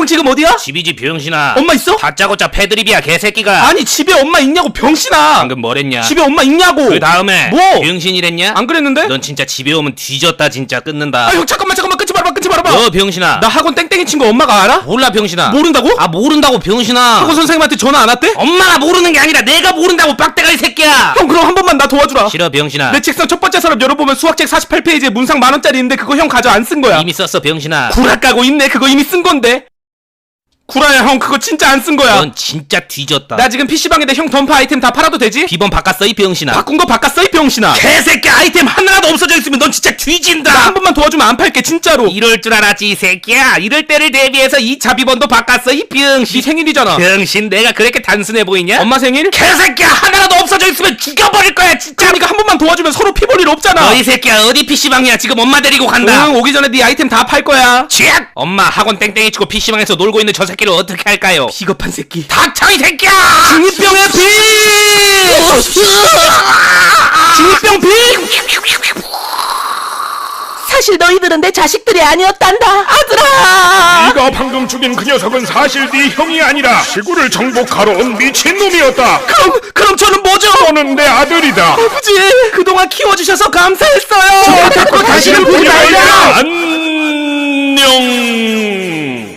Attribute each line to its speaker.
Speaker 1: 지금 어디야?
Speaker 2: 집이지 병신아.
Speaker 1: 엄마 있어?
Speaker 2: 다짜고짜 패드립이야 개새끼가.
Speaker 1: 아니 집에 엄마 있냐고 병신아.
Speaker 2: 방금 뭐랬냐?
Speaker 1: 집에 엄마 있냐고.
Speaker 2: 그 다음에
Speaker 1: 뭐?
Speaker 2: 병신이랬냐?
Speaker 1: 안 그랬는데?
Speaker 2: 넌 진짜 집에 오면 뒤졌다 진짜 끊는다.
Speaker 1: 아 형 잠깐만 끊지 말아봐.
Speaker 2: 너 병신아.
Speaker 1: 나 학원 땡땡이 친 거 엄마가 알아?
Speaker 2: 몰라 병신아.
Speaker 1: 모른다고?
Speaker 2: 아 모른다고 병신아.
Speaker 1: 학원 선생님한테 전화 안 왔대?
Speaker 2: 엄마가 모르는 게 아니라 내가 모른다고 빡대가리 새끼야.
Speaker 1: 형 그럼 한 번만 나 도와주라.
Speaker 2: 싫어 병신아.
Speaker 1: 내 책상 첫 번째 서랍 열어보면 수학책 48페이지에 문상 10,000원짜리 있는데 그거 형 가져 안 쓴 거야.
Speaker 2: 이미 썼어 병신아.
Speaker 1: 구라 까고 있네. 그거 이미 쓴 건데. 구라야 형 그거 진짜 안 쓴 거야.
Speaker 2: 넌 진짜 뒤졌다.
Speaker 1: 나 지금 PC방에다 형 던파 아이템 다 팔아도 되지?
Speaker 2: 비번 바꿨어 이 병신아.
Speaker 1: 바꾼 거 바꿨어 이 병신아.
Speaker 2: 개새끼 아이템 하나라도 없어져 있으면 넌 진짜 뒤진다.
Speaker 1: 나 한 번만 도와주면 안 팔게 진짜로.
Speaker 2: 이럴 줄 알았지 이 새끼야. 이럴 때를 대비해서 2차 비번도 바꿨어 이 병신.
Speaker 1: 네 생일이잖아.
Speaker 2: 병신 내가 그렇게 단순해 보이냐?
Speaker 1: 엄마 생일?
Speaker 2: 개새끼야 하나라도 없어져 있으면 죽여버릴 거야 진짜.
Speaker 1: 그러니까 한 번만 도와주면 서로 피 볼 일 없잖아.
Speaker 2: 너 이 새끼야 어디 PC방이야. 지금 엄마 데리고 간다.
Speaker 1: 응 오기 전에 네 아이템 다 팔 거야.
Speaker 2: 쥐악! 엄마 학원 땡땡이 치고 PC방에서 놀고 있는 저 새끼를 어떻게 할까요?
Speaker 1: 비겁한 새끼.
Speaker 2: 닥쳐 이 새끼야!
Speaker 1: 중이병의 비! 중이병 비!
Speaker 3: 사실 너희들은 내 자식들이 아니었단다. 아들아.
Speaker 4: 네가 방금 죽인 그 녀석은 사실 네 형이 아니라 지구를 정복하러 온 미친놈이었다.
Speaker 1: 그럼 저는 뭐죠?
Speaker 4: 너는 내 아들이다.
Speaker 1: 아버지 그동안 키워주셔서 감사했어요.
Speaker 4: 다시는 보지 말자. 안녕.